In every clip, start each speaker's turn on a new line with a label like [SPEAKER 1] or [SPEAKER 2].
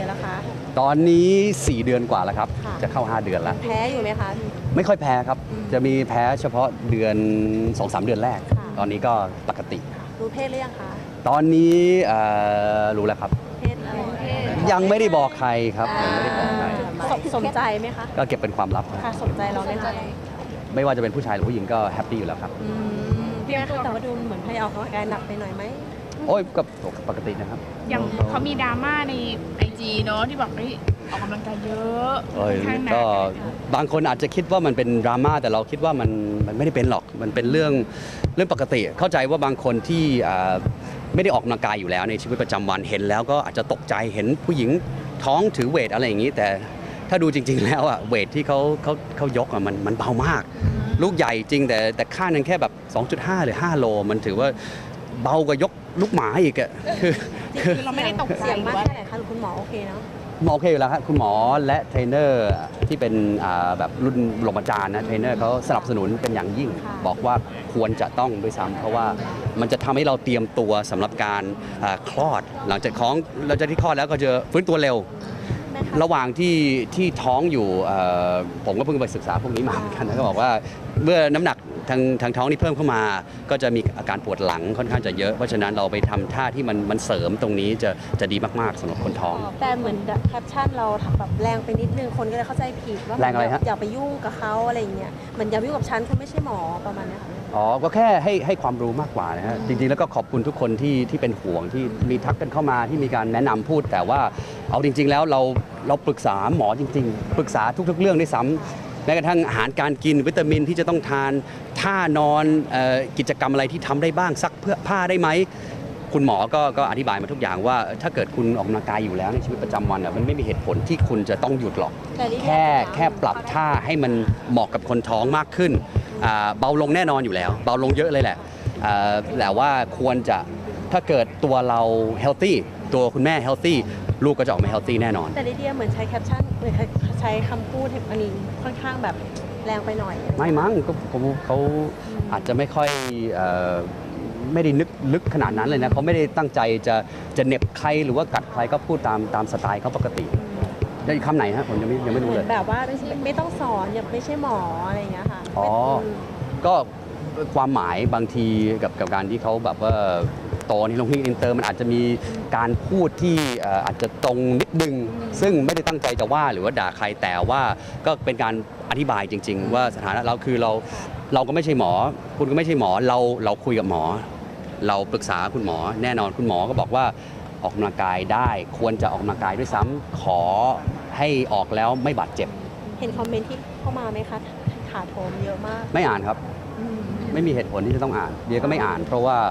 [SPEAKER 1] ดือนแล้วคะ
[SPEAKER 2] ตอนนี้4 เดือนกว่าแล้วครับจะเข้า5 เดือนแล้ว
[SPEAKER 1] แพ้อยู่ไหมคะ
[SPEAKER 2] ไม่ค่อยแพ้ครับจะมีแพ้เฉพาะเดือน 2-3 เดือนแรกตอนนี้ก็ปกติ
[SPEAKER 1] รู้เพศหรือยังคะ
[SPEAKER 2] ตอนนี้รู้แล้วครับ
[SPEAKER 1] เพศอะไร
[SPEAKER 2] ยังไม่ได้บอกใครครับยังไม่ได้บอกใคร
[SPEAKER 1] สนใจไหมคะ
[SPEAKER 2] ก็เก็บเป็นความลับ
[SPEAKER 1] ค่ะสนใจเราไหมคะ
[SPEAKER 2] ไม่ว่าจะเป็นผู้ชายหรือผู้หญิงก็แฮปปี้อยู่แล้วครับ
[SPEAKER 1] พี่แม่แต่ว่าดูเหมือนพยายามออกกำลังกายหนักไปหน่อยไหม
[SPEAKER 2] โอ้ยก็ปกตินะครับ
[SPEAKER 3] อย่างเขามีดราม่าในIGเนาะที่บอกออกกำลังกายเยอะ
[SPEAKER 2] ก็บางคนอาจจะคิดว่ามันเป็นดราม่าแต่เราคิดว่ามันไม่ได้เป็นหรอกมันเป็นเรื่องปกติเข้าใจว่าบางคนที่ไม่ได้ออกกำลังกายอยู่แล้วในชีวิตประจำวันเห็นแล้วก็อาจจะตกใจเห็นผู้หญิงท้องถือเวทอะไรอย่างนี้แต่ถ้าดูจริงๆแล้วเวทที่เขายกมันเบามากลูกใหญ่จริงแต่ค่านึงแค่แบบ 2.5 หรือ 5 โลมันถือว่าเบากว่ายกลูกหมาอีก
[SPEAKER 3] คือเราไม่ได้ตกใจ
[SPEAKER 1] เสียงมากแค่ไหนคะหรือคุณหมอโอเคเนาะ
[SPEAKER 2] หมอโอเคอยู่แล้วครับคุณหมอและเทรนเนอร์ที่เป็นแบบรุ่นปรมาจารย์นะเทรนเนอร์เขาสนับสนุนเป็นอย่างยิ่งบอกว่าควรจะต้องด้วยซ้ำเพราะว่ามันจะทำให้เราเตรียมตัวสำหรับการคลอดหลังจากที่คลอดแล้วก็จะฟื้นตัวเร็วระหว่างที่ท้องอยู่ผมก็เพิ่งไปศึกษาพวกนี้มาเหมือนกันนะก็บอกว่าเมื่อน้ำหนักทางท้องนี่เพิ่มเข้ามาก็จะมีอาการปวดหลังค่อนข้างจะเยอะเพราะฉะนั้นเราไปทำท่าที่มันเสริมตรงนี้จะดีมากๆสำหรับคนท้อง
[SPEAKER 1] แต่เหมือนแคปชั่นเราแบบแรงไปนิดนึงคนก็เลยเข้าใจผิดว่า
[SPEAKER 2] แรงอะไรฮะ
[SPEAKER 1] อย่าไปยุ่งกับเขาอะไรอย่างเงี้ยเหมือนอย่าไปยุ่งกับฉันคุณไม่ใช่หมอประมาณนี้ค่ะ
[SPEAKER 2] ก็แค่ให้ความรู้มากกว่านะฮะจริงๆแล้วก็ขอบคุณทุกคนที่เป็นห่วงที่มีทักกันเข้ามาที่มีการแนะนำพูดแต่ว่าเอาจริงๆแล้วเราปรึกษาหมอจริงๆปรึกษาทุกๆเรื่องด้วยซ้ำแม้กระทั่งอาหารการกินวิตามินที่จะต้องทานท่านอนกิจกรรมอะไรที่ทำได้บ้างซักเพื่อผ้าได้ไหมคุณหมอก็อธิบายมาทุกอย่างว่าถ้าเกิดคุณออกกำลังกายอยู่แล้วในชีวิตประจำวันมันไม่มีเหตุผลที่คุณจะต้องหยุดหรอกแค่ปรับท่าให้มันเหมาะกับคนท้องมากขึ้นเบาลงแน่นอนอยู่แล้วเบาลงเยอะเลยแหละแต่ว่าควรจะถ้าเกิดตัวเราเฮลตี้ตัวคุณแม่เฮลตี้ลูกก็จะออกมาเฮลตี้แน่นอน
[SPEAKER 1] แต่ลิเดียเหมือนใช้แคปชั่นเหมือนใช้คำพูดอันนี้ค่อนข้างแบบแรงไปหน่อย
[SPEAKER 2] ไม่มั้งเขาอาจจะไม่ค่อยไม่ได้นึกลึกขนาดนั้นเลยนะเขาไม่ได้ตั้งใจจะเหน็บใครหรือว่ากัดใครก็พูดตามสไตล์เขาปกติจะคำไหนฮะผมยังไม่รู้เลย
[SPEAKER 1] แบบว่าไม่ต้องสอนอย่าไม่ใช่หมออะไรอย่างเงี้ยค่ะ
[SPEAKER 2] ก็ความหมายบางทีกับการที่เขาแบบว่าโตในโรงเรียนอินเตอร์มันอาจจะมีการพูดที่อาจจะตรงนิดนึงซึ่งไม่ได้ตั้งใจจะว่าหรือว่าด่าใครแต่ว่าก็เป็นการอธิบายจริงๆว่าสถานะเราคือเราก็ไม่ใช่หมอคุณก็ไม่ใช่หมอเราคุยกับหมอเราปรึกษาคุณหมอแน่นอนคุณหมอก็บอกว่าออกกำลังกายได้ควรจะออกกำลังกายด้วยซ้ำขอให้ออกแล้วไม่บาดเจ็บ
[SPEAKER 1] เห็นคอมเมนต์ที่เข้ามาไหมคะถาโถมเยอะมาก
[SPEAKER 2] ไม่อ่านครับไม่มีเหตุผลที่จะต้องอ่านเดียก็ไม่อ่านเพราะว่า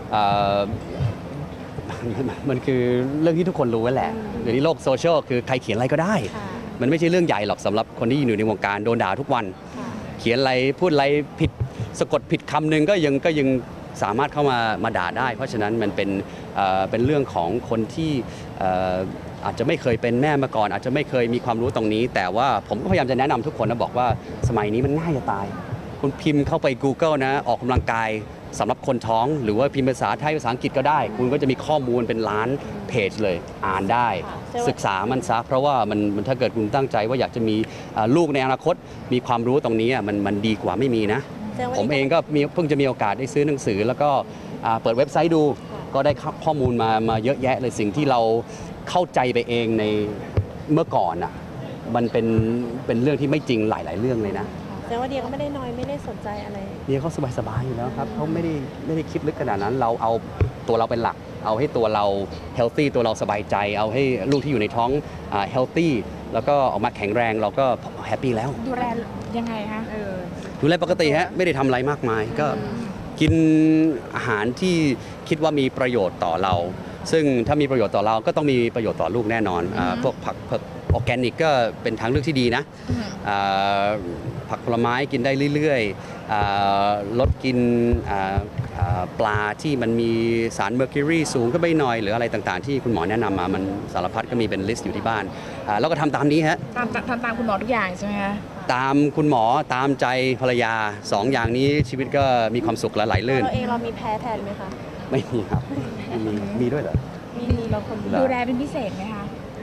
[SPEAKER 2] มันคือเรื่องที่ทุกคนรู้ไว้แหละเดี๋ยวนี้โลกโซเชียลคือใครเขียนอะไรก็ได้มันไม่ใช่เรื่องใหญ่หรอกสำหรับคนที่อยู่ในวงการโดนด่าทุกวันเขียนอะไรพูดอะไรผิดสะกดผิดคำหนึ่งก็ยังสามารถเข้ามาด่าได้เพราะฉะนั้นมันเป็นเรื่องของคนที่อาจจะไม่เคยเป็นแม่มาก่อนอาจจะไม่เคยมีความรู้ตรงนี้แต่ว่าผมก็พยายามจะแนะนำทุกคนนะบอกว่าสมัยนี้มันง่ายจะตายคุณพิมพ์เข้าไป Google นะออกกำลังกายสำหรับคนท้องหรือว่าพิมพ์ภาษาไทยภาษาอังกฤษก็ได้คุณก็จะมีข้อมูลเป็นล้านเพจเลยอ่านได้ศึกษามันซะเพราะว่ามันถ้าเกิดคุณตั้งใจว่าอยากจะมีลูกในอนาคตมีความรู้ตรงนี้มันดีกว่าไม่มีนะผมเองก็เพิ่งจะมีโอกาสได้ซื้อหนังสือแล้วก็เปิดเว็บไซต์ดูก็ได้ข้อมูลมาเยอะแยะเลยสิ่งที่เราเข้าใจไปเองในเมื่อก่อนมันเป็นเรื่องที่ไม่จริงหลายๆเรื่องเลยนะ
[SPEAKER 1] แต่ว่าเดียก็ไม่ได้น้อยไม่ได้สนใจอะไร
[SPEAKER 2] เดียเขาสบายๆอยู่แล้วครับเขาไม่ได้คิดลึกขนาดนั้นเราเอาตัวเราเป็นหลักเอาให้ตัวเราเฮลตี้ตัวเราสบายใจเอาให้ลูกที่อยู่ในท้องเฮลตี้แล้วก็ออกมาแข็งแรงเราก็แฮปปี้แล้ว
[SPEAKER 3] ดูแลยังไงคะ
[SPEAKER 2] ดูแลปกติฮะไม่ได้ทำอะไรมากมายก็กินอาหารที่คิดว่ามีประโยชน์ต่อเราซึ่งถ้ามีประโยชน์ต่อเราก็ต้องมีประโยชน์ต่อลูกแน่นอนพวกผักออร์แกนิกก็เป็นทางเลือกที่ดีนะผักผลไม้กินได้เรื่อยๆลดกินปลาที่มันมีสารเมอร์คิวรีสูงขึ้นไปหน่อยหรืออะไรต่างๆที่คุณหมอแนะนำมามันสารพัดก็มีเป็นลิสต์อยู่ที่บ้านแล้วก็ทำตามนี้ฮะ
[SPEAKER 3] ตามคุณหมอทุกอย่างใช่ไหมคะ
[SPEAKER 2] ตามคุณหมอตามใจภรรยา2 อย่างนี้ชีวิตก็มีความสุขและไหลลื่น
[SPEAKER 1] เราเองเรามีแพ้แทนไหมคะ
[SPEAKER 2] ไม่มีครับมีด้วยเหรอ
[SPEAKER 1] มีเราคน
[SPEAKER 3] ดูแลเป็นพิเศษไหมคะ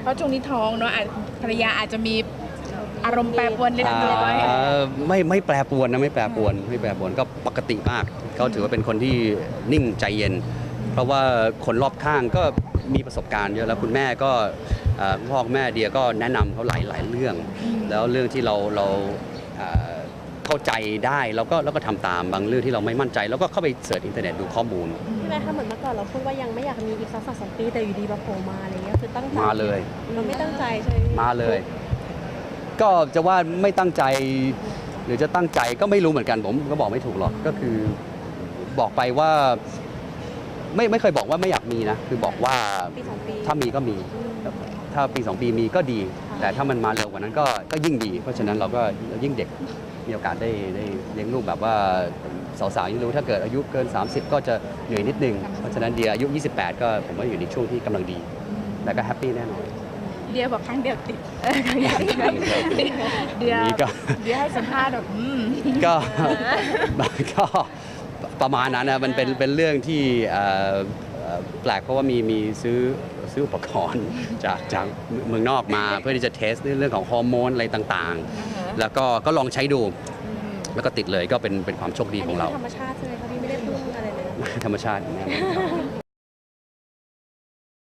[SPEAKER 3] เพราะช่วงนี้ท้องเนาะภรรยาอาจจะมีอารมณ์แปรปรวนเล็กน้อย
[SPEAKER 2] ไม่แปรปรวนนะไม่แปรปรวนก็ปกติมากเขาถือว่าเป็นคนที่นิ่งใจเย็น เพราะว่าคนรอบข้างก็มีประสบการณ์เยอะแล้วคุณแม่ก็พ่อแม่เดียก็แนะนำเขาหลายเรื่อง แล้วเรื่องที่เราเข้าใจได้เราก็ทำตามบางเรื่องที่เราไม่มั่นใจแล้วก็เข้าไปเสิร์ชอินเทอร์เน็ตดูข้อมูล
[SPEAKER 1] พี่แม่คะเหมือนเมื่อก่อนเราพูดว่ายังไม่อยากมีอีกสัก2 ปีแต่อยู่ดีมาโผล่มาอะไรเงี้ยคือตั้งใจ
[SPEAKER 2] มาเลย
[SPEAKER 1] เราไม่ตั้งใจใช่ไหมพี่
[SPEAKER 2] มาเลย ก็จะว่าไม่ตั้งใจหรือจะตั้งใจก็ไม่รู้เหมือนกันผมก็บอกไม่ถูกหรอกก็คือบอกไปว่าไม่เคยบอกว่าไม่อยากมีนะคือบอกว่า
[SPEAKER 1] ปี2 ปี
[SPEAKER 2] ถ้ามีก็มี ถ้าปี 2 ปีมีก็ดี แต่ถ้ามันมาเร็วกว่านั้นก็ยิ่งดี เพราะฉะนั้นเราก็ยิ่งเด็กมีโอกาสได้เลี้ยงลูกแบบว่าสาวๆยิ่งรู้ถ้าเกิดอายุเกิน 30 ก็จะเหนื่อยนิดนึง เพราะฉะนั้นเดียอายุ 28 ก็ผมว่าอยู่ในช่วงที่กำลังดี แต่ก็แฮปปี้แน่นอน
[SPEAKER 3] เดียบอกครั้งเดียวติดครั้งเดียวติดเดีย
[SPEAKER 2] นี่ก็
[SPEAKER 3] เดียให้สัมภาษณ์แบบ
[SPEAKER 2] ก็ ก็ประมาณนั้นนะมันเป็นเรื่องที่แปลกเพราะว่ามีซื้ออุปกรณ์จากเมืองนอกมาเพื่อที่จะเทสเรื่องของฮอร์โมนอะไรต่างๆ แล้วก็ลองใช้ดู แล้วก็ติดเลยก็เป็นความโชคดี
[SPEAKER 1] อัน
[SPEAKER 2] ขอ
[SPEAKER 1] นี้
[SPEAKER 2] งเรา
[SPEAKER 1] คือธรรมชาติใช่ไหมคะพี่ไม่ได้พึ่งอะไรเลย
[SPEAKER 2] ธรรมชาตินะ